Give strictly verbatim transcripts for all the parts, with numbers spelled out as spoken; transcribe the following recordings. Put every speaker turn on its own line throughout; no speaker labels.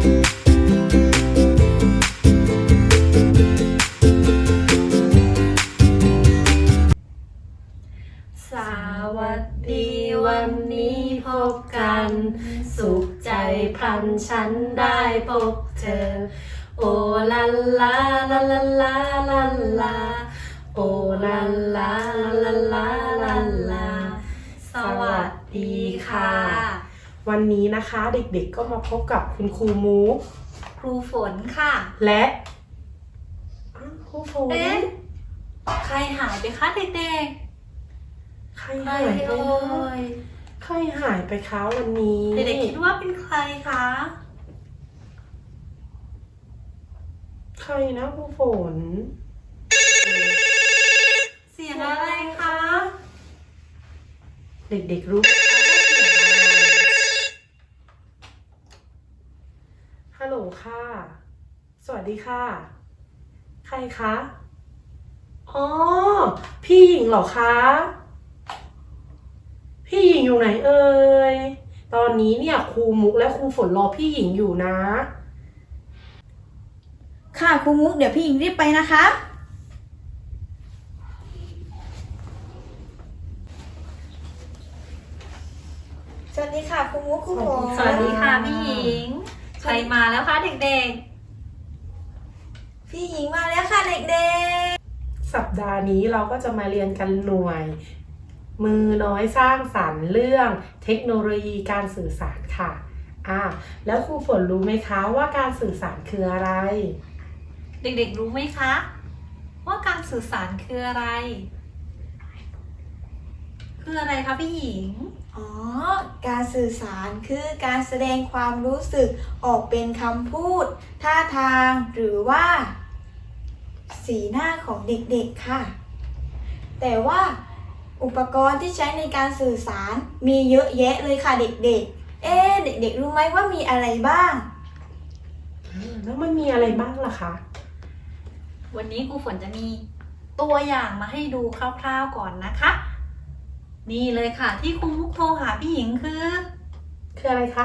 สวัสดีวันนี้พบกันสุขใจพลันฉันได้พบเธอโอลาลาลาลาลาลาลาโอลาลาลาลาลาลาสวัสดีค่ะ
วันนี้นะคะเด็กๆก็มาพบกับคุณครูมุก
ครูฝนค่ะ
และครูฝน
เอ๊ะใครหายไปคะเด็กๆ
ใครหายไปใครหายไปคะวันนี้
เด็กๆคิดว่าเป็นใครคะ
ใครนะครูฝน
เสียงอะไรคะ
เด็กๆรู้ไหมคะว่าเสียงอะไรฮัลโหลค่ะสวัสดีค่ะใครคะอ๋อพี่หญิงเหรอคะพี่หญิงอยู่ไหนเอ่ยตอนนี้เนี่ยครูมุกและครูฝนรอพี่หญิงอยู่นะ
ค่ะครูมุกเดี๋ยวพี่หญิงรีบไปนะคะสวัสดีค่ะครูมุกครูฝน
สวัสดีค่ะพี่หญิงใครมาแล้วคะเด็ก
ๆพี่หญิงมาแล้วค่ะเด็ก
ๆสัปดาห์นี้เราก็จะมาเรียนกันหน่วยมือน้อยสร้างสรรค์เรื่องเทคโนโลยีการสื่อสารค่ะอ่าแล้วครูฝนรู้ไหมคะว่าการสื่อสารคืออะไร
เด็กๆรู้ไหมคะว่าการสื่อสารคืออะไรคืออะไรคะพี่หญิง
อ๋อการสื่อสารคือการแสดงความรู้สึกออกเป็นคำพูดท่าทางหรือว่าสีหน้าของเด็กๆค่ะแต่ว่าอุปกรณ์ที่ใช้ในการสื่อสารมีเยอะแยะเลยค่ะเด็กๆเอ๊ะเด็กๆรู้ไหมว่ามีอะไรบ้าง
แล้วมันมีอะไรบ้างล่ะคะ
วันนี้ครูฝนจะมีตัวอย่างมาให้ดูคร่าวๆก่อนนะคะนี่เลยค่ะที่ครูมุกโทรหาพี่หญิงคือ
คืออะไรคะ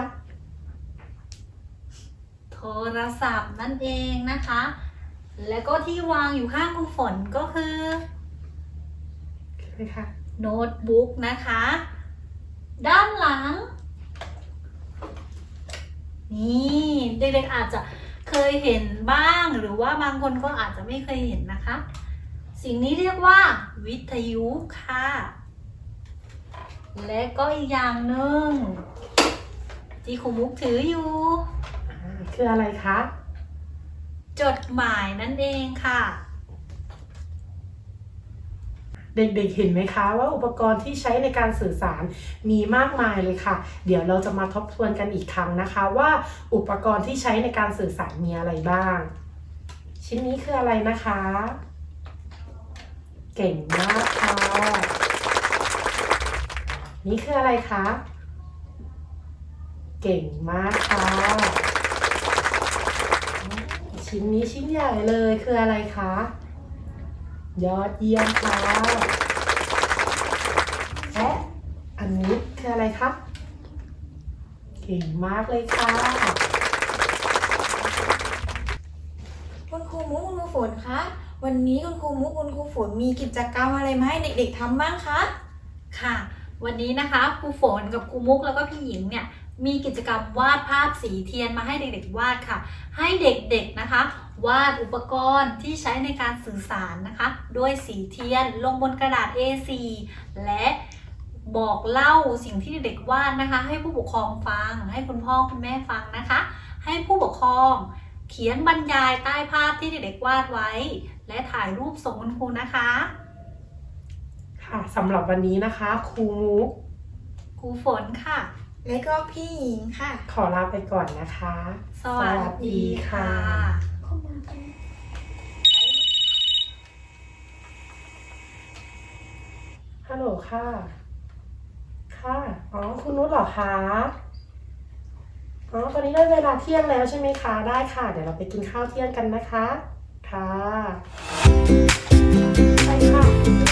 โทรศัพท์นั่นเองนะคะแล้วก็ที่วางอยู่ข้างครูฝนก็คือ
คืออะไรคะ
โน้ตบุ๊กนะคะด้านหลังนี่เด็กๆอาจจะเคยเห็นบ้างหรือว่าบางคนก็อาจจะไม่เคยเห็นนะคะสิ่งนี้เรียกว่าวิทยุค่ะและก็อีกอย่างหนึ่งที่ครูมุกถืออยู่
คืออะไรคะ
จดหมายนั่นเองค่ะ
เด็กๆเห็นไหมคะว่าอุปกรณ์ที่ใช้ในการสื่อสารมีมากมายเลยค่ะเดี๋ยวเราจะมาทบทวนกันอีกครั้งนะคะว่าอุปกรณ์ที่ใช้ในการสื่อสารมีอะไรบ้างชิ้นนี้คืออะไรนะคะเก่งมากค่ะนี่คืออะไรคะเก่งมากค่ะชิ้นนี้ชิ้นใหญ่เลยคืออะไรคะยอดเยี่ยมค่ะและอันนี้คืออะไรครับเก่งมากเลยค่ะ
คุณครูมุกคุณครูฝนคะวันนี้คุณครูมุกคุณครูฝนมีกิจกรรมอะไรมาให้เด็กๆทำบ้างคะ
ค่ะวันนี้นะคะครูฝนกับครูมุกแล้วก็พี่หญิงเนี่ยมีกิจกรรมวาดภาพสีเทียนมาให้เด็กๆวาดค่ะให้เด็กๆนะคะวาดอุปกรณ์ที่ใช้ในการสื่อสารนะคะด้วยสีเทียนลงบนกระดาษ เอ โฟร์ และบอกเล่าสิ่งที่เด็กๆวาดนะคะให้ผู้ปกครองฟังให้คุณพ่อคุณแม่ฟังนะคะให้ผู้ปกครองเขียนบรรยายใต้ภาพที่เด็กๆวาดไว้และถ่ายรูปส่งคุณครูนะคะ
ค่ะสำหรับวันนี้นะคะครูมุก
ครูฝนค่ะ
และก็พี่หญิงค่ะ
ขอลาไปก่อนนะคะ
สวัสดีค่ะ
ฮัลโหลค่ะค่ะอ๋อคุณนุชเหรอคะอ๋อตอนนี้ได้เวลาเที่ยงแล้วใช่ไหมคะได้ค่ะเดี๋ยวเราไปกินข้าวเที่ยงกันนะคะค่ะไปค่ะ